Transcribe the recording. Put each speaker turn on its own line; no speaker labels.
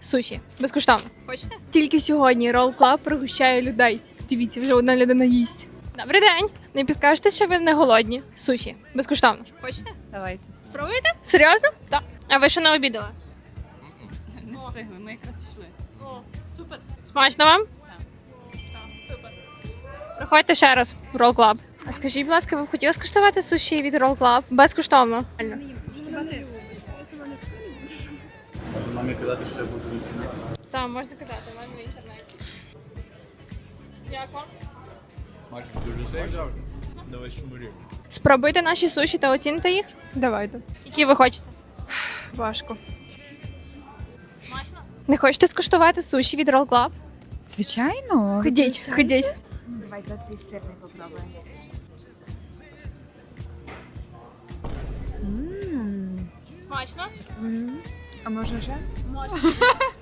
суші. Безкоштовно. Хочете?
Тільки сьогодні Roll Club пригощає людей. Дивіться, вже одна людина їсть.
Добрий день. Не підкажете, що ви не голодні? Суші. Безкоштовно. Хочете?
Давайте.
Спробуєте? Серйозно? Так. А ви ще не обідали?
Не встигли, ми якраз йшли.
О, супер. Смачно вам? Так. Супер. Приходьте ще раз в Roll Club. А скажіть, будь ласка, ви б хотіли скуштувати суші від Roll Club? Безкоштовно.
Можна мамі казати, що я буду в інтернеті.
Так, можна казати, в мене в інтернеті. Як вам?
Майже дуже смачно. Давай шумурі.
Спробуйте наші суші та оціните їх.
Давайте.
Які ви хочете?
Важко.
Не хочете скуштувати суші від Roll Club?
Звичайно.
Ходіть, ходіть.
Давайте цей сирний попробуємо.
Смачно?
А можна ще?
Можна.